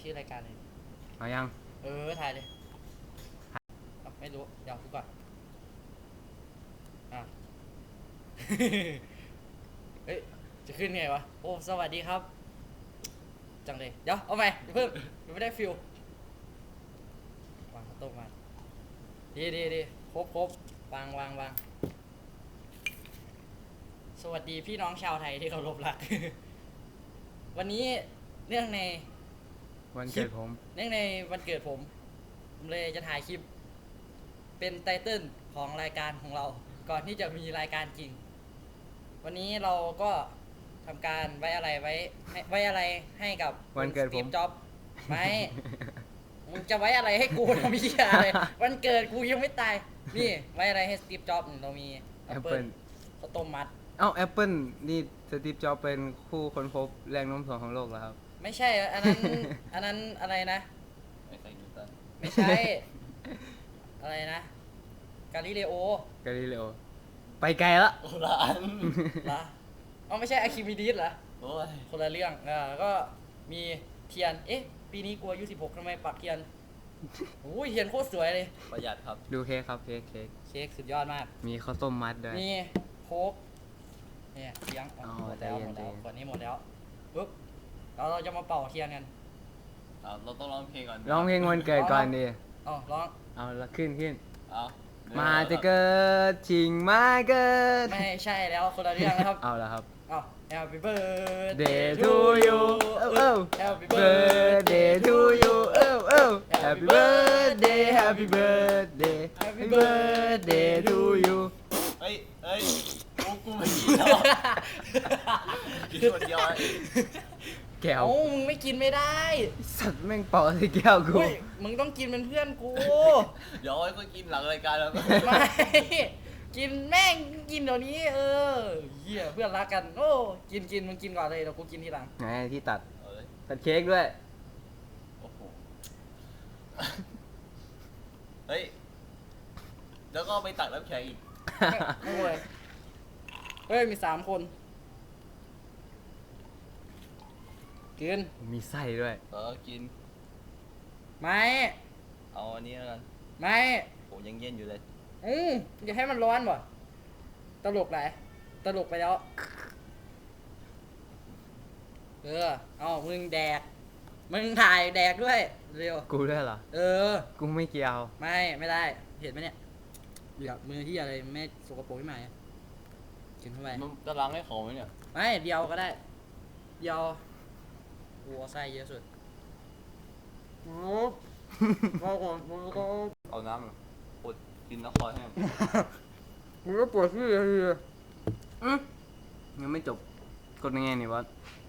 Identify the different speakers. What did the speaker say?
Speaker 1: ชื่อรายการเลย
Speaker 2: เอายัง
Speaker 1: ถ่ายเลยไม่รู้เดี๋ยวดูก่อนอ่ะ เฮ้ยจะขึ้นไงวะโอ้สวัสดีครับจังเลยเดี๋ยวเอาใหม่เพิ่มยังไม่ได้ฟิลวางข้าวต้มมาดีครบวางสวัสดีพี่น้องชาวไทยที่เคารพรัก วันนี้เนื่องใน
Speaker 2: วันเกิดผม
Speaker 1: เนื่องในวันเกิดผมเลยจะถ่ายคลิป เป็นไตเติ้ลของรายการของเรา ก่อนที่จะมีรายการจริง วันนี้เราก็ทำการไว้อะไรให้กับ
Speaker 2: วันเกิดผม
Speaker 1: สตีฟจ็อบส์ไม่ มึงจะไว้อะไรให้กูทำพี่อะไร วันเกิดกูยังไม่ตาย นี่ไว้อะไรให้สตีฟจ็อบส์เรามีแอปเปิล
Speaker 2: Apple
Speaker 1: ข้าวต้มมัด
Speaker 2: เอ้าแอปเปิลนี่สตีฟจ็อบส์เป็นผู้ค้นพบแรงโน้มถ่วงของโลกแล้วครับ
Speaker 1: ไม่ใช่ อันนั้น อันนั้นอะไรนะ
Speaker 3: ไอ้ไซนิวตัน
Speaker 1: ไม่ใช่ อะไรนะ กาลิเลโอก
Speaker 2: าลิเลโอไปไกลละ
Speaker 3: โบราณ
Speaker 1: เหรอเอาไม่ใช่อะคิมิดีสเหรอ
Speaker 3: โอ้ย
Speaker 1: คนละเรื่องก็มีเทียน ปีนี้กูอายุ16ทำไมปักเทียนโอ้ยเทียนโคตรสวยเลย
Speaker 3: ประหยัดครับ
Speaker 2: ดูเค้กครับเค้ก
Speaker 1: เค้กสุดยอดมาก
Speaker 2: มีข้าวต้มมัดด้วย
Speaker 1: มีโค้กเนี่ยเลี้ยง
Speaker 2: อ๋อ
Speaker 1: หมดแล้ว
Speaker 2: ใจเย็น
Speaker 1: ขวดนี้หมดแล้วปุ๊บเราจะมาเป่าเทียนกัน
Speaker 3: เราต้องร้องเพลงก่อน
Speaker 2: ร้องเพลงวันเกิดก่อนดิ
Speaker 1: ร้อง
Speaker 2: เอาละขึ้น
Speaker 3: เอา
Speaker 2: มาจะเกิดจริงมาเกิด
Speaker 1: ไม่ใช่แล้วคนละเรื่องนะครับ
Speaker 2: เอาละครับ
Speaker 1: Happy birthday
Speaker 2: Day to you เอ้า
Speaker 1: Happy
Speaker 2: birthday to you เอ้า Happy birthday Happy birthday Happy birthday to you
Speaker 3: เฮ้ยกูไม่กินแล้วกินคนเดียวไอ้
Speaker 2: แก้ว
Speaker 1: เอ้ามึงไม่กินไม่ได้
Speaker 2: สัตว์แม่งเป่าใส่แก้วกู
Speaker 1: เฮ้ยมึงต้องกินเป็นเพื่อนกู
Speaker 3: เดี๋ยวไอ้ก็กินหลังรายการแล้ว
Speaker 1: ไม่ กินแม่งกินเดี๋ยวนี้เหี้ยเพื่อนรักกัน โอ้กินมึงกินก่อนเลยเดี๋ยวกูกินทีหลัง
Speaker 2: ไหนที่ตัด
Speaker 3: เอาเลย
Speaker 2: ตัดเค้กด้วย
Speaker 3: โอ้โหเฮ้ยแล้วก็ไปตักน้ำแข็งอีก
Speaker 1: โอ้ยเฮ้ยมี3 คนกิน
Speaker 2: มีไส้ด้วย
Speaker 3: กิน
Speaker 1: ไม่
Speaker 3: เอาอันนี้แล้วกัน
Speaker 1: ไม่
Speaker 3: โหยังเย็นอยู่เลย
Speaker 1: อย่าให้มันร้อนบ่ตลกไหนตลกไปแล้วเอามึงแดกมึงถ่ายแดกด้วยเร็ว
Speaker 2: กูด้วยเหรอ กูไม่เกี่ยว
Speaker 1: ไม่ได้เห็นไหมเนี่ยเหลือมือที่อะไรไม่สกปรกที่ไหนกินเข้าไป
Speaker 3: มันจะล้างให้เขาไหมเนี่ย
Speaker 1: ไม่เดียวก็ได้เดียววัวไส้เยอะสุดก็ก่อนมึงก็
Speaker 3: เอาน้ำเหรอปวดกินแล้วคอแห้ง
Speaker 1: มึงก็ปวดที่เลย
Speaker 2: ยังไม่จบกดยังไงนี่บอส